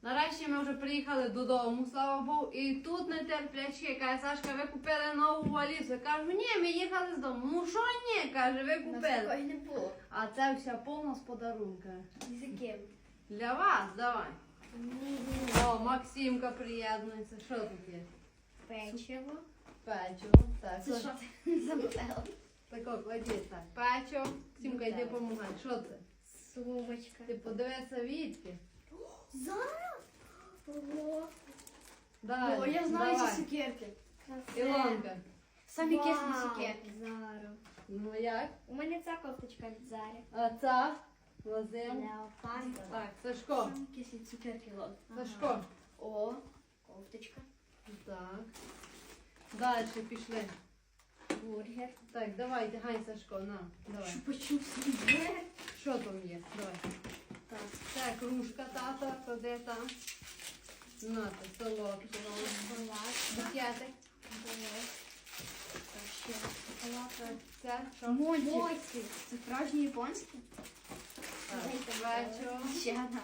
Нарешті ми вже приїхали додому, слава Богу, і тут нетерплячки, каже, Сашка, ви купили нову валізу. Я кажу, ні, ми їхали з дому. Ну що ні, каже, ви У нас купили. такої не було. А це вся повна з подарунка. І за ким? Для вас, давай. Ні. О, Максимка приєднується. Що тут є? Печиво. Печиво. Так, Це що ти замовила? тако, кладіть так. Печиво. Сімка, йди помагай. Що це? Сумочка. Ти подивися відки. Зараз? Ого. Далі, О, я знаю давай. ці цукерки. Ілонка. Самі Вау. кисні цукерки. Зару. Ну як? У мене ця кофточка від Зарі. А ця? Лазим. Леопард. Так, Сашко. Самі кисні цукерки, Лон. Сашко. О, кофточка. Так. Далі пішли. Бургер. Так, давайте, гай, Сашко, на. Давай. Чупа-чуп свіже. Що там є? Давай. Так. Це кружка тата, кладе там. На, це солодке. Шоколад. Букетик. Давай. Так, ще шоколад. Так, це що? Моці. Це справжні японські? Так, вечо. Ще одна.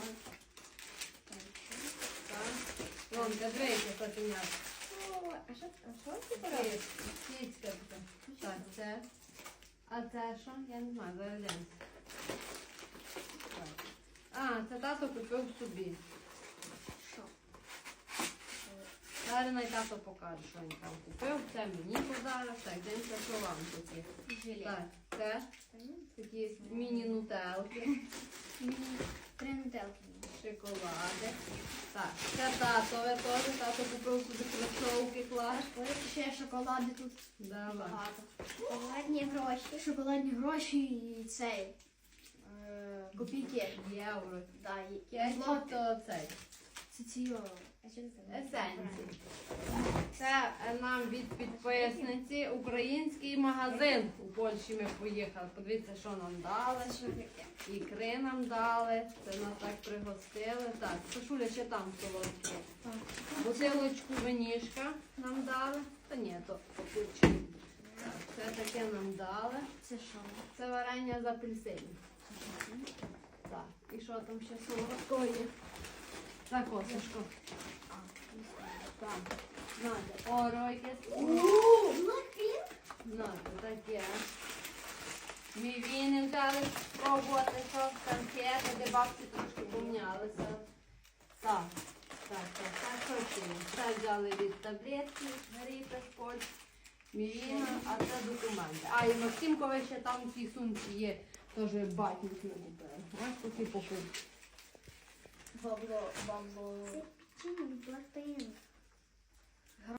Так. Лонка, дрейка котенят. О, а що це робить? Кіцька така. Так, це. А це що? Я не знаю, зараз глянь. Так. А, це тато купив собі. Що? Зараз най тато покаже, що він там купив. Це мені подарок. Так, дивимося, що вам тут є. Желе. Так, це такі міні-нутелки, Три нутелки. шоколади. Так, це татове теж. Тато купив собі кросовки клас. Ще шоколади тут Давай. багато. Шоколадні гроші. Шоколадні гроші і цей. Копійки. Євро. Да, і Кетчуп злоти. то цей. Це ці Есенції. Це нам від підписниці український магазин. У Польщі ми поїхали. Подивіться, що нам дали. Ікри нам дали. Це нас так пригостили. Так, Сашуля, ще там солодке. Бутилочку винішка нам дали. Та ні, то покупчик. Так, це таке нам дали. Це що? Це варення з апельсинів. Так, і що там ще солодкого є? Так, о, Сашко. Так, знаєте, оро якесь. Блакпінк? Знаєте, таке. Ми віни взяли спробувати, що конфети, де бабці трошки помнялися. Так, що ще є? Це взяли від таблетки, Марійка з Польщі. Мівіна, а це документи. А, і Максимкове ще там в цій сумці є, теж батник не купили. Ось такі покупки. Бабло. Блакпінк.